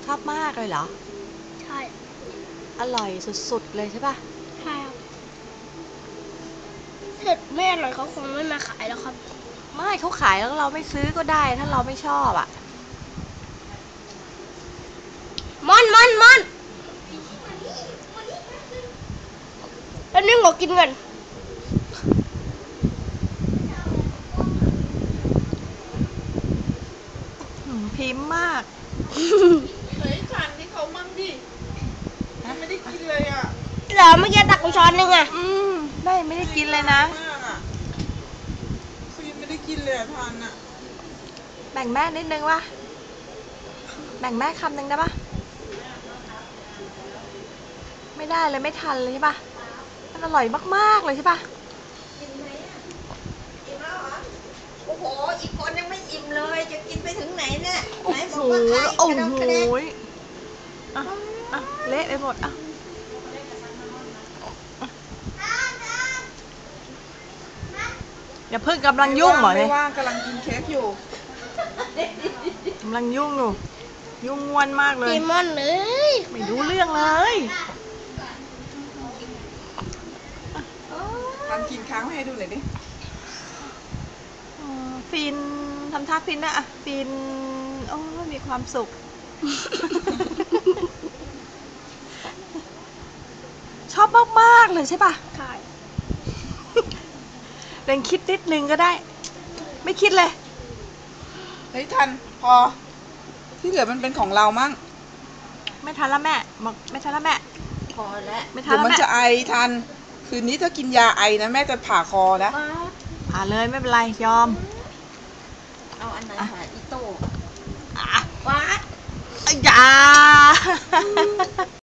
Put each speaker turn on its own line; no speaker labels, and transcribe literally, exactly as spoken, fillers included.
ชอบมากเลยเหรอ
ใช่
อร่อยสุดๆเลยใช่ปะ
ใช่ครับถ้าไม่อร่อยเขาคงไม่มาขายแล้วครับ
ไม่เขาขายแล้วเราไม่ซื้อก็ได้ถ้าเราไม่ชอบอ่ะ
มอนมอนมอนแล้วนี่ขอกินกัน
พิมพ์มาก
เฮ้ยฉันนี่เขามั่งดิไม่ได้กินเลยอ่ะ
เหรอเมื่อกี้ตักไปช้อนนึงอ่ะ
อืมได้ไม่ได้กินเลยนะ
มากอ่ะคือยังไม่ได้กินเลยทานอ่ะ
แบ่งแม่นิดนึงวะแบ่งแม่คำนึงได้ปะไม่ได้เลยไม่ทันเลยใช่ปะมันอร่อยมากๆเลยใช่ปะ
อิ่มไหมอ่ะอิ่มแล้วเหรอโอ้โหอีกคนยังไม่อิ่มเลยจะกินไปถึงไหนเนี่ยไหนบอกว่าใครกระดองกระเด็น
อ่ะอ่ะเละไปหมดอ่ะอย่าเพิ่งกำลังยุ่งเหรอเนี่ย
ไม่ว่างกำลังกินเค้กอยู่
กำลังยุ่งอยู่ยุ่งงวนมากเลย
กินมอนเลย
ไม่รู้เรื่องเลย
ทำกินค้างให้ดูหน่อยดิ
ฟินทำท่าฟินนะอ่ะฟินโอ้มีความสุขชอบมากๆเลยใช่ปะ
ใช่
เรนคิดนิดนึงก็ได้ไม่คิดเลย
เฮ้ยทันพอที่เหลือมันเป็นของเรามั่ง
ไม่ทันแล้วแม่บอกไม่ทันแล้วแม่
พอแล้ว
ไม่ทัน
เดี๋ยว
แล้ว
มัน
แม่
จะไอทันคืนนี้ถ้ากินยาไอนะแม่จะผ่าคอนะ
ผ่าเลยไม่เป็นไรยอม
เอาอันไหนหาอีโต้
อ่ะ
วัด
อย่า